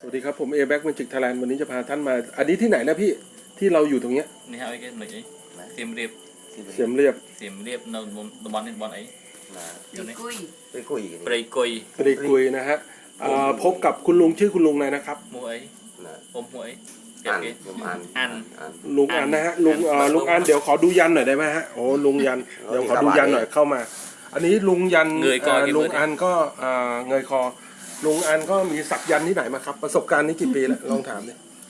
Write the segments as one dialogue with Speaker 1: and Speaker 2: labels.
Speaker 1: วัสดีครับผมเอแบ็กเมจิกไทยแลนด์วันนี้จะพาท่านมาอันนี้ที่ไหนนะพี่ที่เราอยู่ตรงเนี้ย
Speaker 2: นี่ฮะไอ้cái mình ấy xiêm riệp
Speaker 1: เสียมเรียบ
Speaker 2: nó bọn này bọn ấy
Speaker 3: ไปคุย
Speaker 2: prey coi
Speaker 1: ปรีกุยนะฮะพบกับคุณลุงชื่อคุณลุงอะไรนะครับ
Speaker 2: mua ấy ôm mua ấy
Speaker 3: อ่าน
Speaker 2: cái
Speaker 3: ผมอ่าน
Speaker 2: ăn
Speaker 1: ลุงอันนะฮะลุงอันเดี๋ยวขอดูยันหน่อยได้ไหมฮะโอ้ลุงยันเดี๋ยวขอดูยันหน่อยเข้ามา อันนี้ลุงยันลุงอันก็เงยคอลุงอันก็มีสักยันที่ไหนมาครับประสบการณ์นี้กี่ปีแล้วลองถามดิ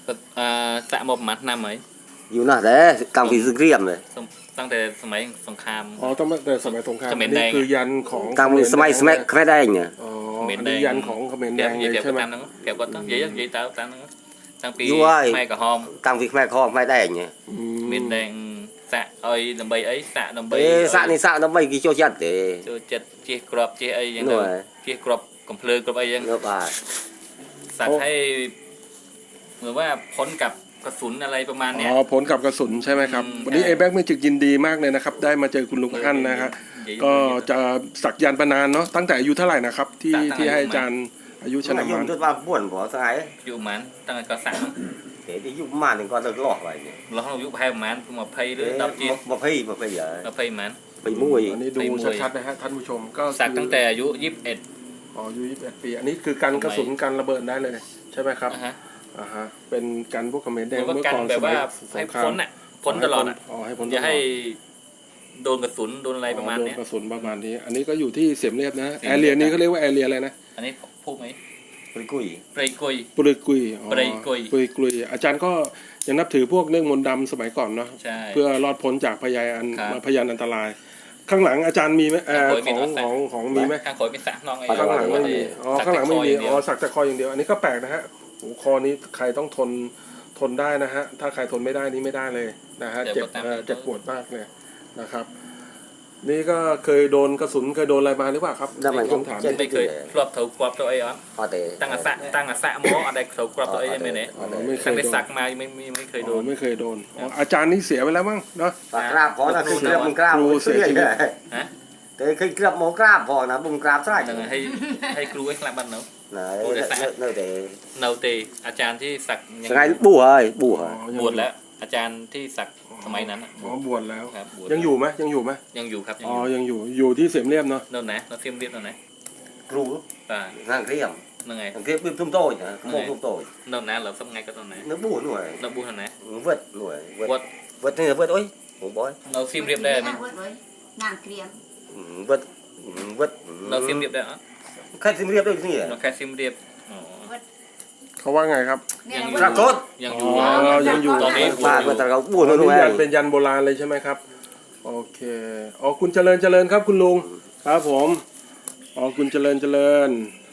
Speaker 2: tạ một mặt năm ấy
Speaker 3: อยู่น่ะแต่กลางฝีสเกรียมเลย
Speaker 2: ตั้งแต่สมัยสงคราม
Speaker 1: อ๋อตั้งแต่สมัยสงคราม
Speaker 2: เขมรแด
Speaker 1: นี่
Speaker 2: ง
Speaker 1: คือยันของ
Speaker 3: กลางสมัยแค่ได้เนี่ย
Speaker 1: อ๋ออันนี้ยันของเขมรแดงเลยใช่ไหม
Speaker 2: kẹp có tao vậy tao tao nó tăng pi
Speaker 3: Vui.
Speaker 2: mai cả hôm
Speaker 3: กลางฝีแม่คอไม่ได้เนี่ย
Speaker 2: miền đèn xạ ơi làm bầy ấy xạ làm
Speaker 3: เอ้
Speaker 2: bầy
Speaker 3: สะนี่สะต้องไปกี่โจจัดเด้
Speaker 2: cho chật chia crop chia ấy
Speaker 3: หน่วย
Speaker 2: chia crop กำเพลิงกับไอ้ยัง
Speaker 3: เนื้อปลา
Speaker 2: สักให้เหมือนว่าพ้นกับกระสุนอะไรประมาณเนี้ย
Speaker 1: อ๋อผลกับกระสุนใช่ไหมครับ วันนี้
Speaker 2: ใช่
Speaker 1: เอแบ็กเมจิกยินดีมากเลยนะครับได้มาเจอคุณลุงอั้นนะครับก็จะสักยันต์มานานเนาะตั้งแต่อายุเท่าไหร่นะครับที่ให้อาจารย์อายุช
Speaker 3: ฉัน
Speaker 1: นะ
Speaker 3: ยุ่
Speaker 1: มาง
Speaker 3: จนว่าบ้วนบ่สาย
Speaker 2: อยู่มันตั้งแต่ก็สั่ง
Speaker 3: เดี๋ยวยุ่งมาหนึ่งก็เลิกหลอกไปเนี่ย
Speaker 2: เราต้องยุบให้มันมาเพย์หรือดับจีน
Speaker 3: มาพี่มาพี่เหรอ
Speaker 2: มาเพย์มัน
Speaker 3: ไปมุ้ย
Speaker 1: อันนี้ดูชัดๆนะฮะท่านผู้ชมก็
Speaker 2: สักตั้งแต่อายุ21
Speaker 1: อ๋ออายุ21 ปีอันนี้คือกันกระสุนกันระเบิดได้เลยใช่ไหมครับ
Speaker 2: นะฮะ
Speaker 1: อ่าฮะเป็นกันพวกเขมรแดง
Speaker 2: มันก็
Speaker 1: เมื่อ
Speaker 2: กัน
Speaker 1: ก่อน
Speaker 2: แบ
Speaker 1: ส
Speaker 2: บ
Speaker 1: มั
Speaker 2: ว่าย
Speaker 1: ส
Speaker 2: ให้
Speaker 1: งครา
Speaker 2: พ้
Speaker 1: ม
Speaker 2: นอ่ะพ้นตลอดอ่ะ
Speaker 1: อ๋อให้พ้น
Speaker 2: อย่าให้โดนกระสุนโดนอะไรประมาณ
Speaker 1: โดน
Speaker 2: เนี้ย
Speaker 1: กระสุนประมาณนี้อันนี้ก็อยู่ที่เสียมเรียบนะแอเรียนี้เขาเรียกว่าแอเรียอะไรนะ
Speaker 2: อันนี้พูดไหม
Speaker 3: ไปคุย
Speaker 2: เปรย์กุย
Speaker 1: ปริกุยอ๋อ
Speaker 2: ปริกุย
Speaker 1: ปริกุยอาจารย์ก็ยังนับถือพวกเรื่องมนต์ดำสมัยก่อนเนาะ
Speaker 2: ใช่
Speaker 1: เพื่อรอดพ้นจากพยาน
Speaker 2: ครับ
Speaker 1: พยานอันตราย ข้างหลังอาจารย์มีไหม
Speaker 2: ข้างหลัง
Speaker 1: ของมีไหม
Speaker 2: ข้างขอยเป็นสักน้องไอ้
Speaker 1: ข้างหลังไม่มีอ๋อ
Speaker 2: สัก
Speaker 1: ข้างหลังไม่มี
Speaker 2: แต่คออย่างเดี
Speaker 1: อ๋
Speaker 2: ยว
Speaker 1: อสักแต่คออย่างเดียว อันนี้ก็แปลกนะฮะโอ้คอนี้ใครต้องทนได้นะฮะถ้าใครทนไม่ได้นี่ไม่ได้เลยนะฮะเจ็บปวดมากเลยนะครับ นี่ก็เคยโดนกระสุนเคยโดนอะไรมาหรือเปล่าครับ
Speaker 3: แล้วมัน
Speaker 1: ต้องถาม
Speaker 2: ไม่เคยครอบเถาครอบตัวไอ้อ๋อ
Speaker 3: พอเตะ
Speaker 2: ตั้งอาสะหมออะไรเถาครอบตัวไอ้ยังไม่เนี่ย
Speaker 1: อ๋อไม่เค
Speaker 2: ตั้
Speaker 1: ย
Speaker 2: งแต่
Speaker 1: โดน
Speaker 2: สักมาไม่เคยโด
Speaker 1: อ๋อน ไม่เคยโดนอ๋ออาจารย์นี่เสียไปแล้วมั้งเนาะ
Speaker 3: ปากกราบพอนะคือเกลียบมึงกราบมึงเสียเลย
Speaker 2: ฮะ
Speaker 3: แต่เคยเกลียบหมอกราบพอนะบุ้งกราบใช่
Speaker 2: นั่นให้ครูไอ้คลาบันเนาะ
Speaker 3: ไหนเนื้อเตะ
Speaker 2: เนาเตอาจารย์ที่สัก
Speaker 3: สไงบู้เฮ้ยบู้เฮ้ย
Speaker 2: บวชแล้ว อาจารย์ที่สักสมัยนั้น
Speaker 1: อ๋อบวชแล้ว
Speaker 2: ครับบวช
Speaker 1: ยังอยู่ไหมยังอยู่ไหม
Speaker 2: ยังอยู่ครับ
Speaker 1: อ๋อยังอยู่ที่เสียมเรียบเนาะ
Speaker 2: นั่นนะเราเทียมเรียบนั่นนะ
Speaker 3: ครู
Speaker 2: อ่า
Speaker 3: นั่งเรียม
Speaker 2: นั่นไง
Speaker 3: นั่งเรียมทุ่มโต้นะขโมยทุ่มโต้
Speaker 2: นั่นนะเราทำไงก็ตอนไหน
Speaker 3: เนื้อบู้หน่วย
Speaker 2: เราบูหันนะ
Speaker 3: เวิร์ดหน่วย
Speaker 2: บวช
Speaker 3: เวิร์ดนี่เวิร์ดโอ้ยผมบอย
Speaker 2: เราเทียมเรียบได้ไหม
Speaker 4: งานเกรียม
Speaker 3: เวิร์ดเวิร์ด
Speaker 2: เราเทียมเรียบได้เหรอ
Speaker 3: ใครซิมเรียบด้วยนี่
Speaker 2: เราแค่เทียมเรียบอ๋อ
Speaker 1: เขาว่าไงครับ
Speaker 2: ยังอยู่
Speaker 3: ปรากฏ
Speaker 2: ยังอยู่
Speaker 1: อ๋อยังอยู่
Speaker 2: ตอนนี้
Speaker 3: ปากมันแต่เราบู้
Speaker 1: อัน
Speaker 3: หน่
Speaker 1: นี้
Speaker 3: วย
Speaker 1: ยันเป็นยันโบราณเลยใช่ไหมครับโอเคอ๋อคุณเจริญครับคุณลุงครับผมอ๋อคุณเจริญ